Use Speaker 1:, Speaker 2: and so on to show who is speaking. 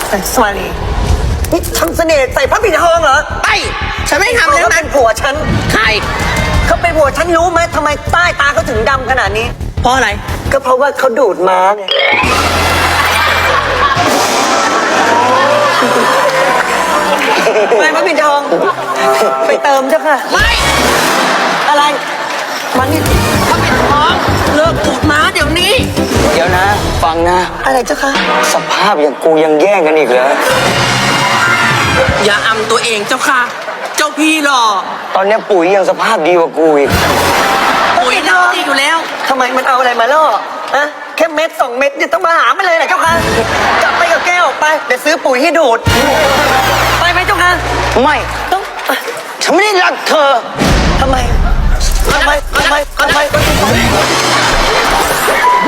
Speaker 1: สมาลีนี่ทำเสน่ห์ใส่พระปิ่นทองเหรอ
Speaker 2: ไอ้ฉันไม่ทำแล้ว
Speaker 1: เขา
Speaker 2: นะ
Speaker 1: เป็นผัวฉัน
Speaker 2: ใคร
Speaker 1: เขาเป็นผัวฉันรู้ไหมทำไมใต้ตาเขาถึงดำขนาดนี้
Speaker 2: เพราะอะไร
Speaker 1: ก็เพราะว่าเขาดูดม้าไงไปพระปิ่นทอง ไปเติมเจ้าค่ะ
Speaker 2: ไม่
Speaker 1: อะไร มันนี่
Speaker 2: เขาเป็นท้องเลิกปูดม้าเดี๋ยวนี้
Speaker 3: เดี๋ยวนะ ฟังนะ
Speaker 1: อะไรเจ้าค่ะ
Speaker 3: สภาพอย่างกูยังแย่งกันอีกเหรอ
Speaker 2: อย่าอำตัวเองเจ้าค่ะ เจ้าพี่หรอ
Speaker 3: ตอนเนี้ยปุ๋ยยังสภาพดีกว่ากูอีก
Speaker 2: ปุ๋ยเน่าดีอยู่แล้ว
Speaker 1: ทำไมมันเอาอะไรมาล่ออะแค่เม็ด2 เม็ดเนี่ยต้องมาหามันเลยเหรอเจ้าค่ะกลับไปกับแก้วไปเดี๋ยวซื้อปุ๋ยให้ดูด ไปไหมเจ้าค่ะ
Speaker 3: ไม่
Speaker 1: ต้อง
Speaker 3: ฉันไม่ได้รักเธอ
Speaker 1: ทำไม